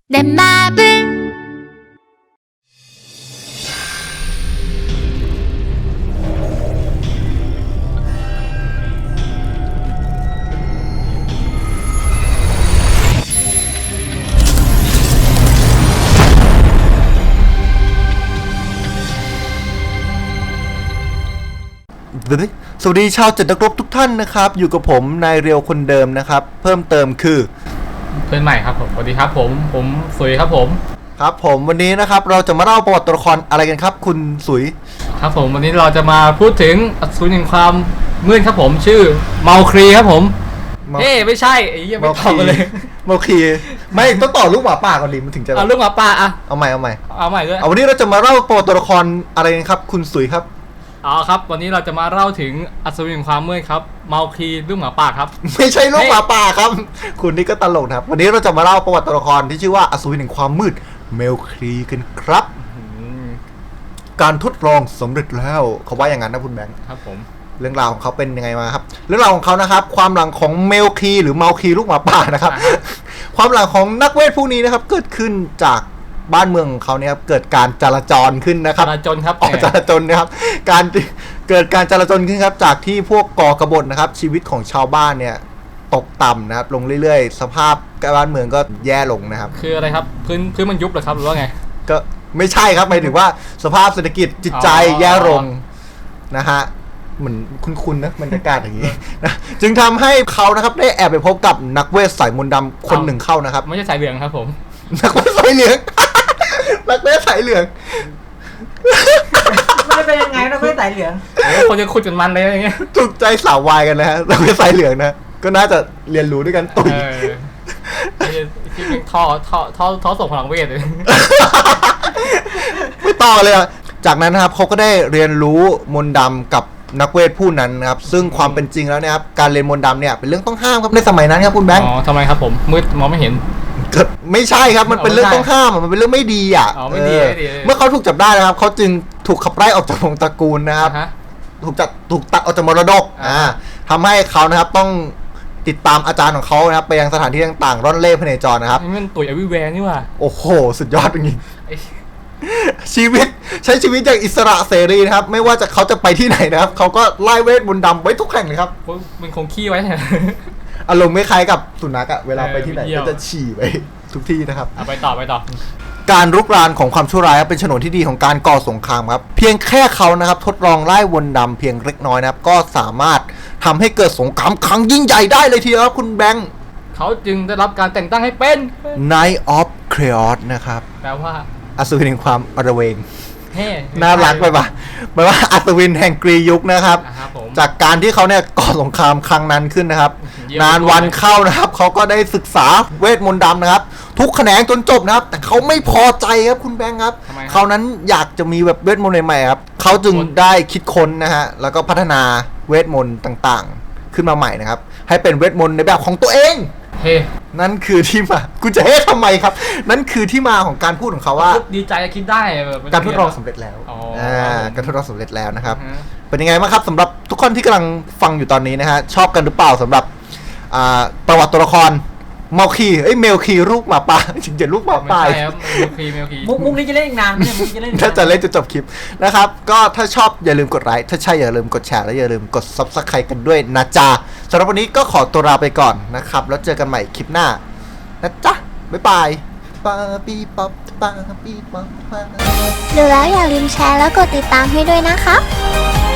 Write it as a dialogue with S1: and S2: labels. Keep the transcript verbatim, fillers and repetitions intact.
S1: 내 맘을
S2: สวัสดีชาวจัดนักรบทุกท่านนะครับอยู่กับผมนายเรียวคนเดิมนะครับเพิ่มเติมคือ
S3: เพื่อนใหม่ครับผมสวัสดีครับผมผมสุยครับผม
S2: ครับผมวันนี้นะครับเราจะมาเล่าประวัติตัวละครอะไรกันครับคุณสุย
S3: ครับผมวันนี้เราจะมาพูดถึงอสูรแห่งความมืดครับผมชื่อเมาครีครับผมเฮ้ไม่ใช่ไอ้ยังไม่ตอบเลย
S2: เมาครีไม่ต้องต่อลูกหมาป่าก่อนดิมันถึงจะ
S3: เอาลูกหมาป่าอะ
S2: เอาใหม่เอาใหม่
S3: เอาใหม่ด้วย
S2: เอาวันนี้เราจะมาเล่าประวัติตัวละครอะไรกันครับคุณสุยครับ
S3: อ๋อครับวันนี้เราจะมาเล่าถึงอสูรแห่งความมืดครับเมาครีลูกหมาป่าครับ
S2: ไม่ใช่ลูกหมาป่าครับคุณนี่ก็ตลกนะครับวันนี้เราจะมาเล่าประวัติตัวละครที่ชื่อว่าอสูรแห่งความมืดเมลครีกันครับการทดลองสำเร็จแล้วเขาว่าอย่างนั้นนะคุณแบงค์
S3: ครับผม
S2: เรื่องราวของเขาเป็นยังไงมาครับเรื่องราวของเขานะครับความหลังของเมลครีหรือเมาครีลูกหมาป่านะครับความหลังของนักเวทผู้นี้นะครับเกิดขึ้นจากบ้านเมืองของเขาเนี่ยครับเกิดการจราจรขึ้นนะครับ
S3: จราจรครับ
S2: อ๋อจราจรนะครับการเกิดการจราจรขึ้นครับจากที่พวกก่อกบฏนะครับชีวิตของชาวบ้านเนี่ยตกต่ำนะครับลงเรื่อยๆสภาพบ้านเมืองก็แย่ลงนะครับ
S3: คืออะไรครับพื้นพื้นมันยุบเหรอครับหรือว่าไง
S2: ก็ไม่ใช่ครับหมายถึงว่าสภาพเศรษฐกิจจิตใจแย่ลงนะฮะเหมือนคุ้นๆนะบรรยากาศอย่างนี้นะจึงทำให้เขานะครับได้แอบไปพบกับนักเวทสายมนต์ดำคนหนึ่งเข้านะครับ
S3: ไม่ใช่สายเหลืองครับผม
S2: นักเวทสายเหลืองนักเวทสายเหลือง
S4: มันเป็นยังไงนักเวทสายเหลือง
S3: คนจะขุดจนมันเลยอย่างเงี้ย
S2: ถูกใจสาววายกันนะฮะนักเวทสายเหลืองนะก็น่าจะเรียนรู้ด้วยกันตุ๋ย
S3: ที่เป็นท่อท่อท่อท่อส่งพลังเวทเลย
S2: ไม่ต่อเลยอ่ะจากนั้นนะครับเขาก็ได้เรียนรู้มนต์ดำกับนักเวทผู้นั้นนะครับซึ่งความเป็นจริงแล้วเนี่ยครับการเรียนมนต์ดำเนี่ยเป็นเรื่องต้องห้ามครับในสมัยนั้นครับคุณแบงค์
S3: อ๋อทำไมครับผมมืดมองไม่เห็น
S2: ไม่ใช่ครับมันเป็นเรื่องต้องห้ามมันเป็นเรื่องไม่ดีอ่ะเมื่อเขาถูกจับได้นะครับเขาจึงถูกขับไล่ออกจากวงตระกูลนะครับถูกจัดถูกตัดออกจากมรดกอ่าทำให้เขานะครับต้องติดตามอาจารย์ของเขานะครับไปยังสถานที่ต่างๆร่อนเล่พเนจรนะครับ
S3: นี่มันตุ๋ยอวิแวร์นี่ว่ะ
S2: โอ้โหสุดยอดจริงชีวิตใช้ชีวิตอย่างอิสระเสรีนะครับไม่ว่าจะเขาจะไปที่ไหนนะครับเขาก็ไล่เวทมนต์ดำไว้ทุกแห่งเลยครับ
S3: มันคงขี้ไว้
S2: อารมณ์ไม่คล้ายกับสุนัขอะเวลาไปที่ไหนก็จะฉี่ไปทุกที่นะครับ
S3: เอาไปต่อไปต่อ
S2: การรุกรานของความชั่วร้ายเป็นฉนวนที่ดีของการก่อสงครามครับเพียงแค่เขานะครับทดลองไล่มนต์ดำเพียงเล็กน้อยนะครับก็สามารถทำให้เกิดสงครามครั้งยิ่งใหญ่ได้เลยทีเดียวครับคุณแบงค์
S3: เขาจึงได้รับการแต่งตั้งให้เป็น
S2: Knight of Chaos นะครับ
S3: แปลว่า
S2: อสูรแห่งความอระเวง
S3: เฮ้
S2: น่ารักไปปะหมายว่าอัศวินแห่งกรียุคนะครับจากการที่เขาเนี่ยก่อสงครามครั้งนั้นขึ้นนะครับนานวันเข้านะครับเขาก็ได้ศึกษาเวทมนต์ดำนะครับทุกแขนงจนจบนะครับแต่เขาไม่พอใจครับคุณแบงค์ครับเขานั้นอยากจะมีแบบเวทมนต์ใหม่ๆครับเขาจึงได้คิดค้นนะฮะแล้วก็พัฒนาเวทมนต์ต่างๆขึ้นมาใหม่นะครับให้เป็นเวทมนต์ในแบบของตัวเอง
S3: เฮ้
S2: นั่นคือที่มาคุณจะเฮ้ทำไมครับนั่นคือที่มาของการพูดของเขาว่า
S3: ดีใจคิดได้
S2: การทดลองสำเร็จแล้วอ่าการทดลองสำเร็จแล้วนะครับเป็นยังไงบ้างครับสำหรับทุกคนที่กำลังฟังอยู่ตอนนี้นะฮะชอบกันหรือเปล่าสำหรับอ่าประวัติตัวละครเมาคีเอ้ยเมลคีลูกหมาป่าจริงๆลูกหมาป่า
S3: เมลคีเมลคี
S4: มุกมุกนี้จะเล่นอีกนานเนี่ยมุกจะเล่น
S2: ถ้าจะเล่นจะจบคลิปนะครับก็ถ้าชอบอย่าลืมกดไลค์ถ้าใช่อย่าลืมกดแชร์และอย่าลืมกด ซับสไครบ์ กันด้วยนะจ๊ะสำหรับวันนี้ก็ขอตัวลาไปก่อนนะครับแล้วเจอกันใหม่คลิปหน้านะจ๊ะบ๊ายบายปาปีป๊อปปาปีป๊อป
S1: ดูแล้วอย่าลืมแชร์แล้วกดติดตามให้ด้วยนะคะ